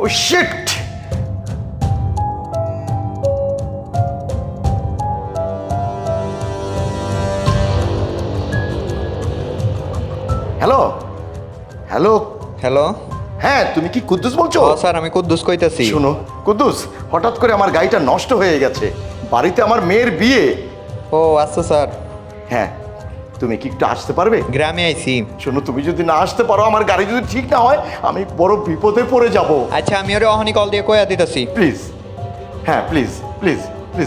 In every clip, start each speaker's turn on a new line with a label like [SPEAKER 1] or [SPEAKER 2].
[SPEAKER 1] ও shit! Hello hello
[SPEAKER 2] hello.
[SPEAKER 1] হ্যাঁ, তুমি কি কুদ্দুস বলছো?
[SPEAKER 2] স্যার আমি কুদ্দুস কইতাছি।
[SPEAKER 1] শোনো কুদ্দুস, হঠাৎ করে আমার গাড়িটা নষ্ট হয়ে গেছে, বাড়িতে আমার মেয়ের বিয়ে।
[SPEAKER 2] ও আচ্ছা স্যার।
[SPEAKER 1] হ্যাঁ, তুমি কি একটু আসতে পারবে?
[SPEAKER 2] গ্রামে আইছি।
[SPEAKER 1] শোনো, তুমি যদি না আসতে পারো, আমার গাড়ি যদি ঠিক না হয়, আমি বড় বিপদে পড়ে যাব।
[SPEAKER 2] আচ্ছা আমি ওরে অহনি কল দিয়ে কইয়া দিতাছি।
[SPEAKER 1] প্লিজ, হ্যাঁ প্লিজ প্লিজ প্লিজ।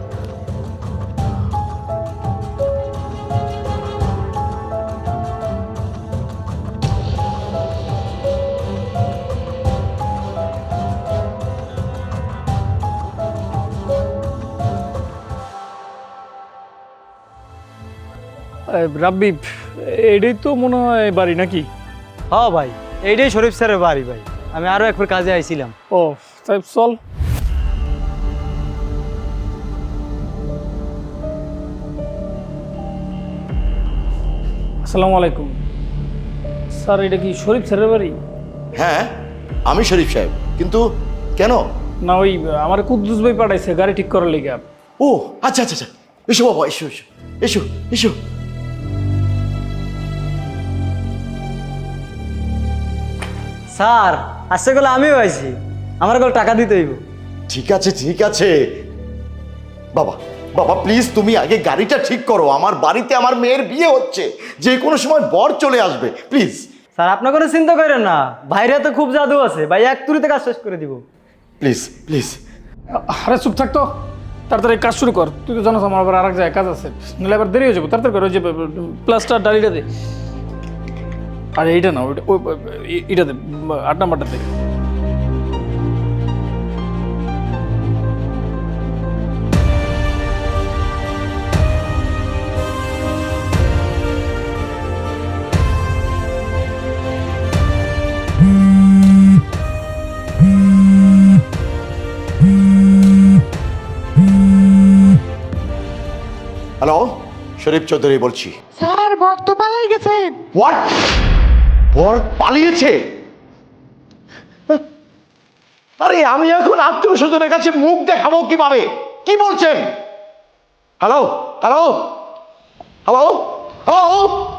[SPEAKER 3] রাব্বি, এটাই তো মনে হয় বাড়ি নাকি?
[SPEAKER 4] হ্যাঁ ভাই, এইটাই শরীফ স্যারের বাড়ি ভাই। আমি আরো একবার কাজে আইছিলাম।
[SPEAKER 3] ও তাই চল। আসসালামু আলাইকুম স্যার, এটা কি শরীফ স্যারের বাড়ি?
[SPEAKER 1] হ্যাঁ, আমি শরীফ সাহেব, কিন্তু কেন?
[SPEAKER 3] না, ওই আমার কুদ্দুস ভাই পাঠাইছে গাড়ি ঠিক করার লেগে।
[SPEAKER 1] ও আচ্ছা আচ্ছা আচ্ছা, এসো বাবা, এসো এসো এসো এসো।
[SPEAKER 4] স্যার আসছে গেলে আমিও আইছি, আমার গেলে টাকা দিতে হইব।
[SPEAKER 1] ঠিক আছে ঠিক আছে বাবা, বাবা প্লিজ তুমি আগে গাড়িটা ঠিক করো। আমার বাড়িতে আমার মেয়ের বিয়ে হচ্ছে, যে কোনো সময় বর চলে আসবে, প্লিজ।
[SPEAKER 4] স্যার আপনার কোনো চিন্তা করেন না, বাইরে তো খুব জাদু আছে ভাই, এক তুড়িতে কাজ শেষ করে দিব।
[SPEAKER 1] Please please.
[SPEAKER 3] আরে চুপ থাকতো, তাড়াতাড়ি কাজ শুরু কর। তুই তো জানোস আমার আবার আর এক জায়গায় কাজ আছে, নাহলে আবার দেরি হয়ে যাবো। তাড়াতাড়ি কর, ওই যে প্লাস্টার ডালিটা দে। আরে এইটা না, ওইটা এইটা দে, 8 নাম্বারটা দে।
[SPEAKER 1] হ্যালো, শরীফ চৌধুরী বলছি।
[SPEAKER 5] স্যার বর তো পালাই গেছেন।
[SPEAKER 1] হোয়াট? বর পালিয়েছে? আরে আমি এখন আত্মীয় স্বজনের কাছে মুখ দেখাবো কিভাবে? কি বলছেন? Hello hello hello hello.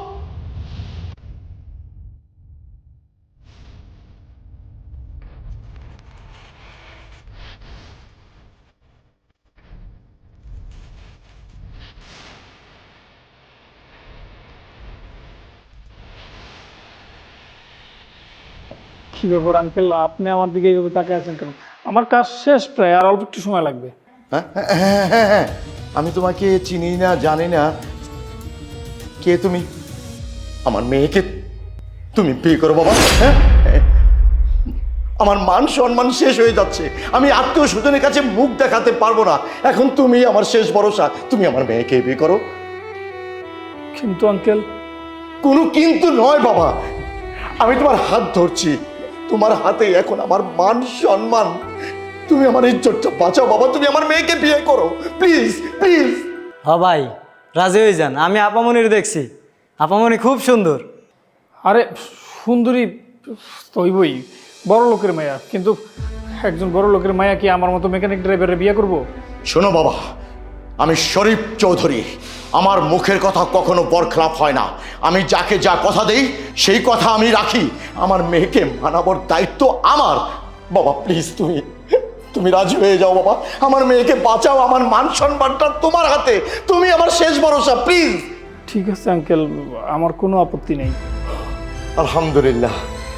[SPEAKER 3] কি ব্যাপার আঙ্কেল, আপনি আমার দিকে এইভাবে তাকিয়ে আছেন কেন? আমার কাজ শেষ প্রায়, আর অল্প একটু সময় লাগবে।
[SPEAKER 1] হ্যাঁ হ্যাঁ হ্যাঁ হ্যাঁ, আমি তোমাকে চিনি না জানি না, কে তুমি? আমার মেয়েকে তুমি বিয়ে করো বাবা? হ্যাঁ, আমার মান সম্মান শেষ হয়ে যাচ্ছে, আমি আত্মীয় স্বজনের কাছে মুখ দেখাতে পারবো না। এখন তুমি আমার শেষ ভরসা, তুমি আমার মেয়েকে বিয়ে করো।
[SPEAKER 3] কিন্তু আঙ্কেল।
[SPEAKER 1] কোনো কিন্তু নয় বাবা, আমি তোমার হাত ধরছি, তোমার হাতে এখন আমার মান সম্মান। তুমি আমার ইজ্জতটা বাঁচাও বাবা, তুমি আমার মেয়েকে বিয়ে করো প্লিজ প্লিজ।
[SPEAKER 4] হ্যাঁ ভাই, রাজি হয়ে যান। আমি আপামনির দেখছি, আপামনি খুব সুন্দর।
[SPEAKER 3] আরে সুন্দরী তো হইবই, বড় লোকের মায়া, কিন্তু একজন বড় লোকের মায়া কি আমার মতো মেকানিক ড্রাইভারের বিয়ে করবো?
[SPEAKER 1] শোনো বাবা, আমি শরীফ চৌধুরী, আমার মুখের কথা কখনো বরখলাপ হয় না। আমি যাকে যা কথা দেই সেই কথা আমি রাখি। আমার মেয়েকে মানাবার দায়িত্ব আমার। বাবা প্লিজ তুমি তুমি রাজি হয়ে যাও বাবা, আমার মেয়েকে বাঁচাও, আমার মান সম্মানটা তোমার হাতে, তুমি আমার শেষ ভরসা, প্লিজ।
[SPEAKER 3] ঠিক আছে আঙ্কেল, আমার কোনো আপত্তি নেই।
[SPEAKER 1] আলহামদুলিল্লাহ।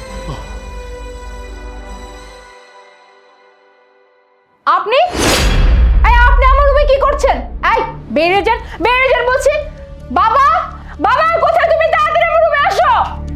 [SPEAKER 6] আপনি আপনি আমার রুমে কি করছেন? বেরিয়ে যান বলছি। বাবা বাবা কোথায় তুমি? তাড়াতাড়ি আমার রুমে আসো।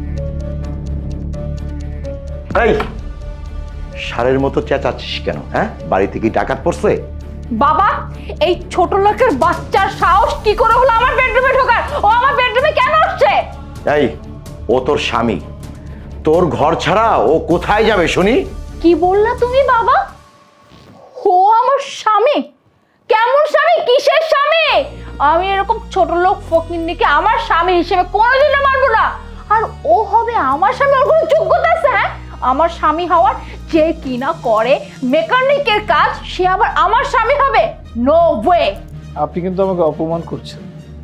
[SPEAKER 1] এই ষাঁড়ের মতো চেঁচাচ্ছিস কেন? হ্যাঁ, বাড়ি থেকে ডাকাত পড়ছে?
[SPEAKER 6] বাবা, এই ছোট লোকের বাচ্চার সাহস কি করে হলো আমার বেডরুমে ঢোকার? ও আমার বেডরুমে কেন আসছে?
[SPEAKER 1] এই, ও তোর স্বামী, তোর ঘর ছাড়া ও কোথায় যাবে শুনি?
[SPEAKER 6] কি বললা তুমি বাবা? ও আমার স্বামী? কেমন স্বামী? কিসের স্বামী? আমি এরকম ছোট লোক ফকিন্নিকে আমার স্বামী হিসেবে কোনোদিনও মানবো না। আর ও হবে আমার স্বামী? ওর কোনো যোগ্যতা আছে? হ্যাঁ, ও আমার স্বামী হওয়ার? যে কিনা করে মেকানিকের কাজ সে আবার আমার স্বামী হবে? No way.
[SPEAKER 3] আপনি কিন্তু আমাকে অপমান করছেন।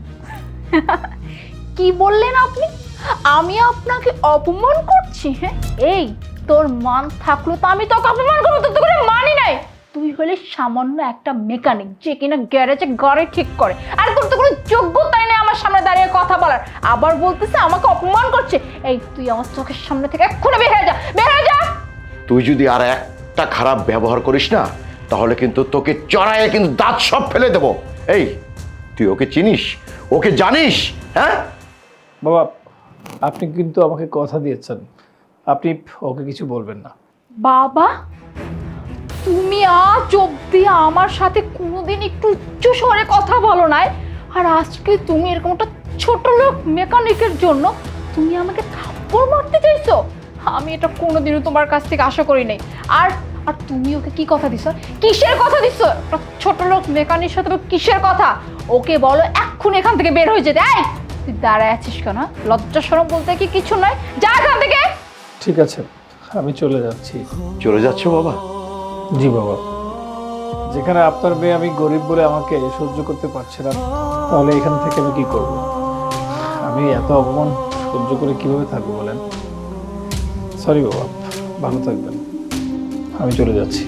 [SPEAKER 6] কি বললেন আপনি? আমি আপনাকে অপমান করছি? হ্যাঁ, এই তোর মান থাকলো তো আমি তোকে অপমান করবো? তোর তো কোনো মানই নাই। তুই হলে সামান্য একটা মেকানিক যে কিনা গ্যারেজে গাড়ি ঠিক করে, আর তোর তো কোনো যোগ্যতাই নেই আমার সামনে দাঁড়িয়ে কথা বলার। আবার বলতেছে আমাকে অপমান করছে। এই তুই আমার চোখের সামনে থেকে এক্ষুনি বের হয়ে যা, বের হয়ে যা।
[SPEAKER 1] তুই যদি আর একটা খারাপ ব্যবহার করিস না, তাহলে কিন্তু তোকে চড়াইয়ে কিন্তু দাঁত সব ফেলে দেবো। এই, তুই ওকে চিনিস? ওকে জানিস? হ্যাঁ
[SPEAKER 3] বাবা, আপনি কিন্তু আমাকে কথা দিয়েছেন, আপনি ওকে কিছু বলবেন না।
[SPEAKER 6] বাবা, তুমি আজ অব্দি আমার সাথে কোনোদিন একটু উচ্চ স্বরে কথা বলো নাই, আর আজকে তুমি এরকম একটা ছোট লোক মেকানিকের জন্য তুমি আমাকে থাপ্পড় মারতে চাইছো? আমি এটা কোনোদিনও তোমার কাছ থেকে আশা করি নাই। আর আর তুমি ওকে কি কথা দিছো? কিসের কথা দিছো? একটা ছোট লোক মেকানিকের সাথে কিসের কথা? ওকে বলো এক্ষুনি এখান থেকে বের হয়ে যেতে। এই তুই দাঁড়ায় আছিস কেন? লজ্জা শরম বলতে কি কিছু নয়, যা এখান থেকে।
[SPEAKER 3] ঠিক আছে, আমি চলে যাচ্ছি।
[SPEAKER 1] চলে যাচ্ছ বাবা?
[SPEAKER 3] জি বাবা, যেখানে আপনার মেয়ে আমি গরিব বলে আমাকে সহ্য করতে পারছে না, তাহলে এখান থেকে আমি কি করব? আমি এত অপমান সহ্য করে কিভাবে থাকবো বলেন? সরি বাবা, ভালো থাকবেন, আমি চলে যাচ্ছি।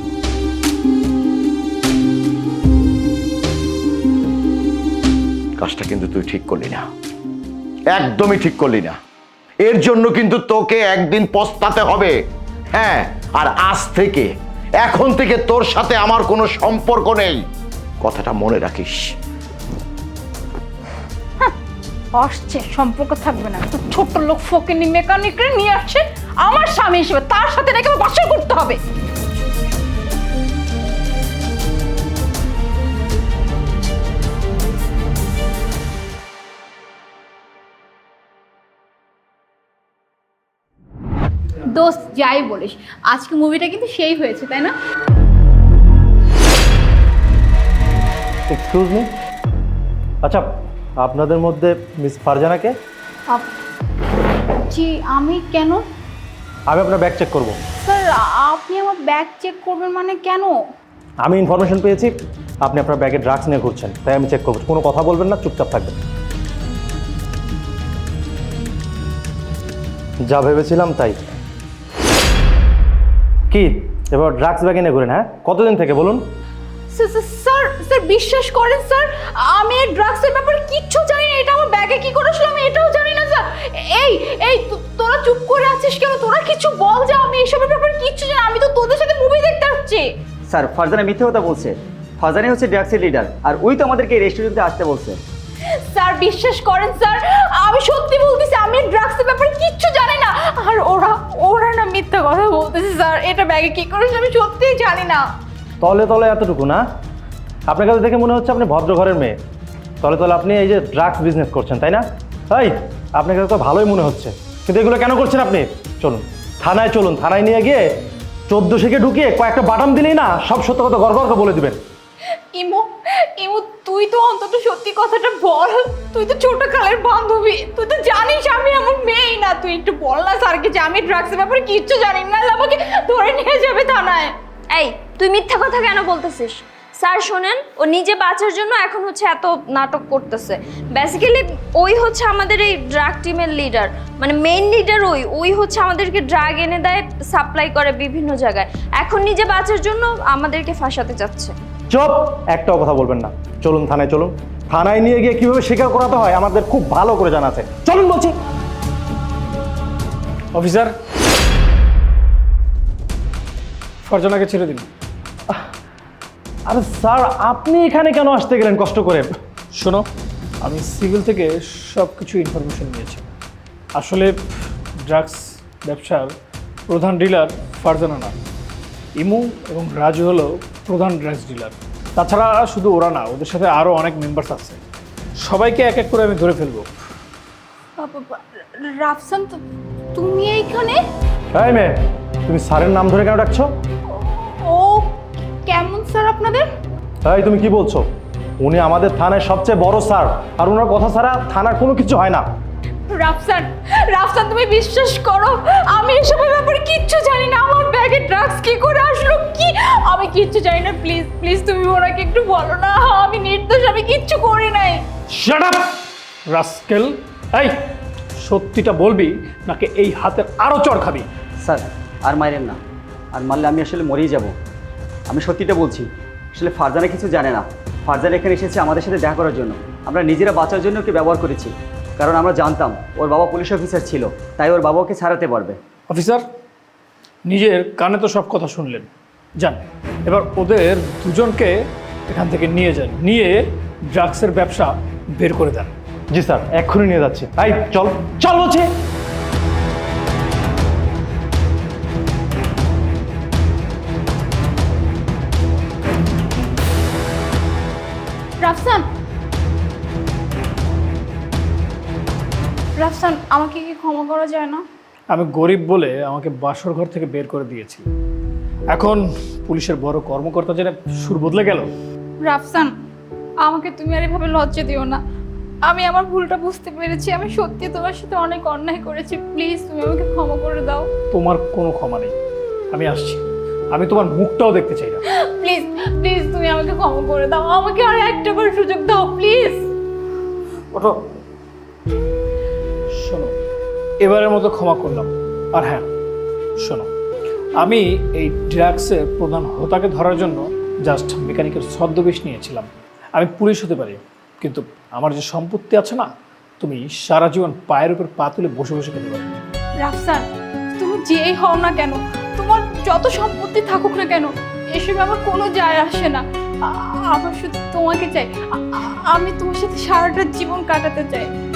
[SPEAKER 1] কাজটা কিন্তু তুই ঠিক করলি না, একদমই ঠিক করলি না। এর জন্য কিন্তু তোকে একদিন পস্তাতে হবে। হ্যাঁ, আর আজ থেকে, এখন থেকে তোর সাথে আমার কোনো সম্পর্ক নেই, কথাটা মনে রাখিস।
[SPEAKER 6] আসছে সম্পর্ক থাকবে না, তো ছোট লোক ফকিনি মেকানিককে নিয়ে আসছে আমার স্বামী হিসেবে, তার সাথে নাকি আমার বাসর করতে হবে। দোস্ত যাই বলিস, আজকে মুভিটা কিন্তু সেই হয়েছে, তাই না?
[SPEAKER 7] এক্সকিউজ মি, আচ্ছা আপনাদের মধ্যে মিস ফারজানাকে?
[SPEAKER 6] জি, আমি কেন?
[SPEAKER 7] আমি আপনার ব্যাগ চেক করব।
[SPEAKER 6] স্যার, আপনি আমার ব্যাগ চেক করবেন মানে কেন?
[SPEAKER 7] আমি ইনফরমেশন পেয়েছি আপনি আপনার ব্যাগে ড্রাগস নিয়ে ঘুরছেন, তাই আমি চেক করবো। কোনো কথা বলবেন না, চুপচাপ থাকবেন। যা ভেবেছিলাম তাই। কি এবার ড্রাগস ব্যাগে নিয়ে ঘুরেন? হ্যাঁ, কতদিন থেকে বলুন?
[SPEAKER 6] স্যার স্যার বিশ্বাস করেন স্যার, আমি এই ড্রাগসের ব্যাপারে কিচ্ছু জানি না। এটা আমার ব্যাগে কি করে আসলো আমি এটাও জানি না স্যার। এই এই তোরা চুপ করে আছিস কেন? তোরা কিছু বল যে আমি এসবের ব্যাপারে কিচ্ছু জানি না। আমি তো তোদের সাথে মুভি দেখতে আসছি।
[SPEAKER 8] স্যার, ফারজানা মিথ্যে কথা বলছে। ফারজানা হচ্ছে ড্রাগসের লিডার, আর ওই তো আমাদেরকে এই রেস্টুরেন্টে আসতে বলছে।
[SPEAKER 6] স্যার বিশ্বাস করেন স্যার, আমি সত্যি বলতেছি, আমি ড্রাগসের ব্যাপারে কিচ্ছু জানি না। আর ওরা না মিথ্যা কথা বলতেছে স্যার। এটা ব্যাগে কি করে আমি সত্যিই জানি না।
[SPEAKER 7] তলে তলে এতটুকু না? আপনার কাছে দেখে মনে হচ্ছে আপনি ভদ্র ঘরের মেয়ে। তলে তলে আপনি এই যে ড্রাগস বিজনেস করছেন, তাই না? তাই আপনার কাছে তো ভালোই মনে হচ্ছে, কিন্তু এগুলো কেন করছেন আপনি? চলুন থানায়, চলুন থানায় নিয়ে গিয়ে 1400-কে ঢুকিয়ে কয়েকটা বাটাম দিলেই না সব সত্য কথা গড়গড় করে বলে দিবেন।
[SPEAKER 6] ইমু তুই তো অন্তত সত্যি কথাটা বল। তুই তো ছোট কালের বান্ধবী, তুই তো জানিস আমি এমন মেয়েই না। তুই একটু বল না স্যারকে যে আমি ড্রাগসের ব্যাপারে কিচ্ছু জানি না, আমাকে ধরে নিয়ে যাবে থানায়।
[SPEAKER 9] এই তুই মিথ্যা কথা কেন বলতেছিস? স্যার শোনেন, ও নিজে বাঁচার জন্য এখন হচ্ছে এত নাটক করতেছে। বেসিক্যালি ওই হচ্ছে আমাদের এই ড্রাগ টিমের লিডার, মানে মেইন লিডার। ওই হচ্ছে আমাদেরকে ড্রাগ এনে দেয়, সাপ্লাই করে বিভিন্ন জায়গায়। এখন নিজে বাঁচার জন্য আমাদেরকে ফাঁসাতে চাচ্ছে।
[SPEAKER 7] চুপ, একটাও কথা বলবেন না। চলুন থানায়, চলুন। থানায় নিয়ে গিয়ে কিভাবে স্বীকার করাতে হয় আমাদের খুব ভালো করে জানা আছে। চলুন বলছি।
[SPEAKER 3] অফিসার, ফারজানাকে ছেড়ে দিন।
[SPEAKER 7] আরে স্যার, আপনি এখানে কেন আসতে গেলেন কষ্ট করে?
[SPEAKER 3] শোনো, আমি সিভিল থেকে সব কিছু ইনফরমেশন নিয়েছি। আসলে ড্রাগস ব্যবসার প্রধান ডিলার ফারজানা না, ইমু এবং রাজু হলো প্রধান ড্রাগস ডিলার। তাছাড়া শুধু ওরা না, ওদের সাথে আরও অনেক মেম্বার্স আছে। সবাইকে এক এক করে আমি ধরে ফেলবো।
[SPEAKER 6] রাফসান, তুমি এইখানে?
[SPEAKER 7] এই মেয়ে, তুমি স্যারের নাম ধরে কেন ডাকছো?
[SPEAKER 6] ও কেমন স্যার আপনাদের?
[SPEAKER 7] এই তুমি কি বলছো? উনি আমাদের থানায় সবচেয়ে বড় স্যার, আর ওনার কথা ছাড়া থানার কোনো কিছু হয় না।
[SPEAKER 6] রাফসান তুমি বিশ্বাস করো, আমি এসবের ব্যাপারে কিচ্ছু জানি না, আমার ব্যাগে ড্রাগস কি করে আসলো, কি আমি কিচ্ছু জানি না। প্লিজ প্লিজ তুমি ওনাকে একটু বলো না, আমি নির্দোষ, আমি কিচ্ছু করি নাই।
[SPEAKER 3] Shut up rascal. এই সত্যিটা বলবি নাকি এই হাতের আরো চড় খাবি?
[SPEAKER 8] স্যার আর মাইরেন না, আর মারলে আমি আসলে মরেই যাব। আমি সত্যিটা বলছি, আসলে ফারজানা কিছু জানে না। ফারজানা এখানে এসেছে আমাদের সাথে দেখা করার জন্য। আমরা নিজেরা বাঁচার জন্য ওকে ব্যবহার করেছি, কারণ আমরা জানতাম ওর বাবা পুলিশ অফিসার ছিল, তাই ওর বাবা ওকে ছাড়াতে পারবে।
[SPEAKER 3] অফিসার, নিজের কানে তো সব কথা শুনলেন, যান এবার ওদের দুজনকে এখান থেকে নিয়ে যান, নিয়ে ড্রাগসের ব্যবসা বের করে দেন।
[SPEAKER 7] জি স্যার, এক্ষুনি নিয়ে যাচ্ছি। এই চল চল বলছি।
[SPEAKER 6] রাফসান, রাফসান আমাকে কি ক্ষমা করা যায় না?
[SPEAKER 3] আমি গরিব বলে আমাকে বাসর ঘর থেকে বের করে দিয়েছিল, এখন পুলিশের বড় কর্মকর্তা যেটা সুর বদলে গেল।
[SPEAKER 6] রাফসান আমাকে তুমি আর এভাবে লজ্জা দিও না, আমি আমার ভুলটা বুঝতে পেরেছি, আমি সত্যি তোমার সাথে অনেক অন্যায় করেছি, প্লিজ তুমি আমাকে ক্ষমা করে দাও।
[SPEAKER 3] তোমার কোনো ক্ষমা নেই, আমি আসছি, আমি তোমার মুখটাও দেখতে চাই না।
[SPEAKER 6] প্লিজ প্লিজ তুমি আমাকে ক্ষমা করে দাও, আমাকে আর একটা বার সুযোগ দাও প্লিজ।
[SPEAKER 3] ওঠো, শোনো, এবারের মতো ক্ষমা করলাম। আর হ্যাঁ শোনো, আমি এই ড্রাগসের প্রধান হোতাকে ধরার জন্য জাস্ট মেকানিকের ছদ্মবেশ নিয়েছিলাম। আমি পুলিশ হতে পারি, কিন্তু আমার যে সম্পত্তি আছে না, তুমি সারা জীবন পায়ের উপর পা তুলে বসে বসে খেতে পারবে।
[SPEAKER 6] রাফসান তুমি যেই হও না কেন, তোমার যত সম্পত্তি থাকুক না কেন, এসবে আমার কোনো যায় আসে না। আমার শুধু তোমাকে চাই, আমি তোমার সাথে সারাটা জীবন কাটাতে চাই।